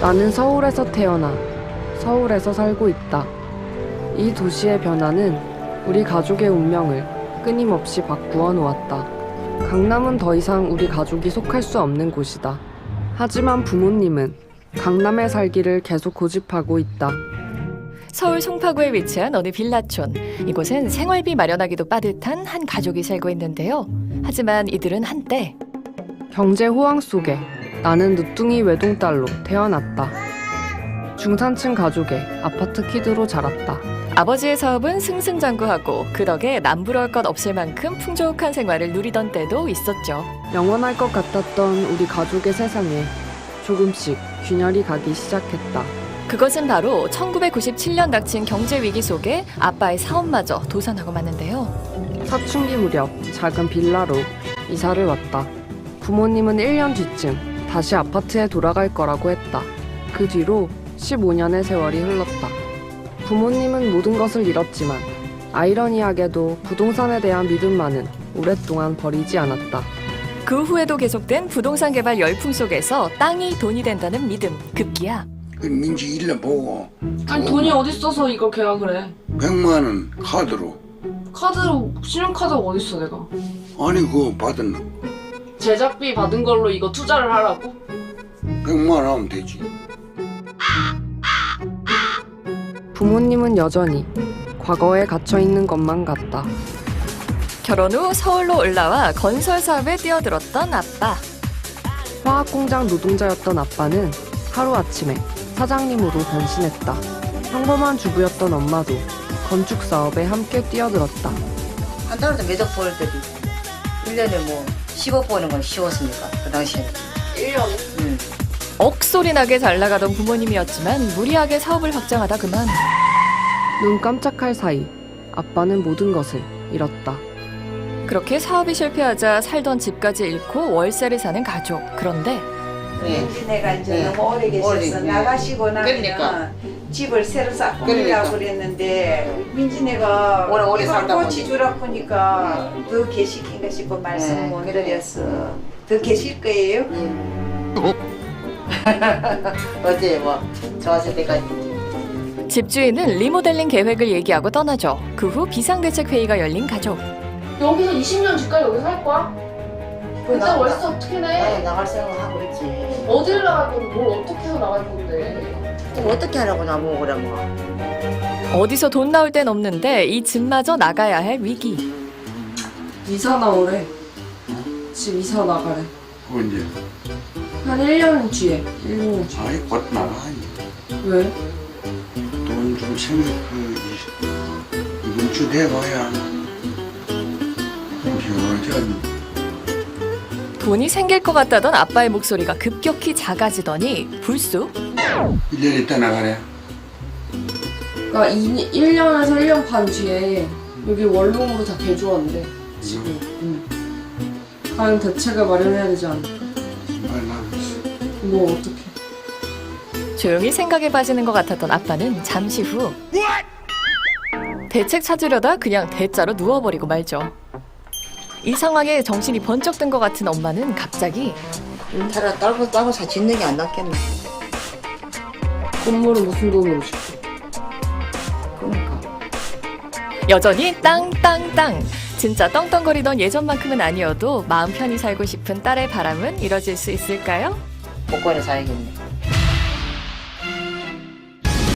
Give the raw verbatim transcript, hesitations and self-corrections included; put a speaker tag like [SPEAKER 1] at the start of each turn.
[SPEAKER 1] 나는 서울에서 태어나 서울에서 살고 있다. 이 도시의 변화는 우리 가족의 운명을 끊임없이 바꾸어 놓았다. 강남은 더 이상 우리 가족이 속할 수 없는 곳이다. 하지만 부모님은 강남에 살기를 계속 고집하고 있다.
[SPEAKER 2] 서울 송파구에 위치한 어느 빌라촌. 이곳은 생활비 마련하기도 빠듯한 한 가족이 살고 있는데요. 하지만 이들은 한때
[SPEAKER 1] 경제 호황 속에 나는 늦둥이 외동딸로 태어났다. 중산층 가족의 아파트 키드로 자랐다.
[SPEAKER 2] 아버지의 사업은 승승장구하고 그 덕에 남부러울 것 없을 만큼 풍족한 생활을 누리던 때도 있었죠.
[SPEAKER 1] 영원할 것 같았던 우리 가족의 세상에 조금씩 균열이 가기 시작했다.
[SPEAKER 2] 그것은 바로 천구백구십칠 년 닥친 경제 위기 속에 아빠의 사업마저 도산하고 말는데요.
[SPEAKER 1] 사춘기 무렵 작은 빌라로 이사를 왔다. 부모님은 일 년 뒤쯤 다시 아파트에 돌아갈 거라고 했다. 그 뒤로 십오 년의 세월이 흘렀다. 부모님은 모든 것을 잃었지만 아이러니하게도 부동산에 대한 믿음만은 오랫동안 버리지 않았다.
[SPEAKER 2] 그 후에도 계속된 부동산 개발 열풍 속에서 땅이 돈이 된다는 믿음 급기야
[SPEAKER 3] 그 민지 일러 보고
[SPEAKER 4] 아니 돈이 어딨어서 이걸 계약을 해.
[SPEAKER 3] 백만 원 카드로.
[SPEAKER 4] 카드로 신용카드가 어딨어 내가.
[SPEAKER 3] 아니 그거 받은
[SPEAKER 4] 제작비 받은 걸로 이거 투자를 하라고?
[SPEAKER 3] 백만 원 하면 되지.
[SPEAKER 1] 부모님은 여전히 과거에 갇혀있는 것만 같다.
[SPEAKER 2] 결혼 후 서울로 올라와 건설 사업에 뛰어들었던 아빠.
[SPEAKER 1] 화학공장 노동자였던 아빠는 하루아침에 사장님으로 변신했다. 평범한 주부였던 엄마도 건축 사업에 함께 뛰어들었다.
[SPEAKER 5] 한 달에도 몇억 벌더니 일 년에 뭐 십억 버는 건 쉬웠습니까? 그 당시에는.
[SPEAKER 4] 일 년에?
[SPEAKER 5] 응.
[SPEAKER 2] 억소리 나게 잘 나가던 부모님이었지만 무리하게 사업을 확장하다 그만.
[SPEAKER 1] 눈 깜짝할 사이 아빠는 모든 것을 잃었다.
[SPEAKER 2] 그렇게 사업이 실패하자 살던 집까지 잃고 월세를 사는 가족. 그런데
[SPEAKER 6] 민지네가 이제
[SPEAKER 5] 네.
[SPEAKER 6] 너무 오래 계셔서
[SPEAKER 5] 오래, 네.
[SPEAKER 6] 나가시고 나면
[SPEAKER 5] 그러니까.
[SPEAKER 6] 집을 새로 싹
[SPEAKER 5] 그러니까.
[SPEAKER 6] 꾸미려고 그랬는데 민지네가
[SPEAKER 5] 오래, 오래
[SPEAKER 6] 이걸
[SPEAKER 5] 살다
[SPEAKER 6] 꽃이
[SPEAKER 5] 보니.
[SPEAKER 6] 주라 보니까 더 계시긴가 싶고 말씀
[SPEAKER 5] 네,
[SPEAKER 6] 못
[SPEAKER 5] 그래.
[SPEAKER 6] 드렸어. 더 계실 거예요?
[SPEAKER 5] 어제 뭐 좋았을 때까지.
[SPEAKER 2] 집주인은 리모델링 계획을 얘기하고 떠나죠. 그 후 비상대책회의가 열린 가족.
[SPEAKER 4] 여기서 이십 년 집까지 여기서 할 거야? 그때
[SPEAKER 5] 나-
[SPEAKER 4] 월세 어떻게
[SPEAKER 5] 나
[SPEAKER 4] 내?
[SPEAKER 5] 나갈 생각하고 그랬지.
[SPEAKER 4] 어디를 나갈 건데 뭘 어떻게 해서 나갈 건데?
[SPEAKER 5] 그럼 어떻게 하라고 나보고 그래 뭐.
[SPEAKER 2] 어디서 돈 나올 땐 없는데 이 집마저 나가야 할 위기.
[SPEAKER 4] 이사 나오래. 집 이사 나가래.
[SPEAKER 3] 언제?
[SPEAKER 4] 한 일 년 뒤에. 일 년 뒤에.
[SPEAKER 3] 아이 곧 나가.
[SPEAKER 4] 왜?
[SPEAKER 3] 돈 좀 생겨 그 이번 주 돼봐야. 어쩌니?
[SPEAKER 2] 돈이 생길 것 같다던 아빠의 목소리가 급격히 작아지더니 불쑥
[SPEAKER 3] 일 년 있다 나가래.
[SPEAKER 4] 그러니까 일 년에서 일 년 반 뒤에 여기 원룸으로 다 개조한대. 집을. 응. 과연 대책을 마련해야 되지 않을까?
[SPEAKER 3] 말 나고 있어.
[SPEAKER 4] 뭐 어떻게?
[SPEAKER 2] 조용히 생각에 빠지는 것 같았던 아빠는 잠시 후 대책 찾으려다 그냥 대자로 누워버리고 말죠. 이 상황에 정신이 번쩍 든 것 같은 엄마는 갑자기
[SPEAKER 5] 차라리 딸고 딸고 사 짓는 게 안 낫겠네.
[SPEAKER 4] 건물은 무슨 돈으로 짓게?
[SPEAKER 5] 그러니까.
[SPEAKER 2] 여전히 땅땅땅. 진짜 떵떵거리던 예전만큼은 아니어도 마음 편히 살고 싶은 딸의 바람은 이뤄질 수 있을까요?
[SPEAKER 5] 복권에 사야겠네.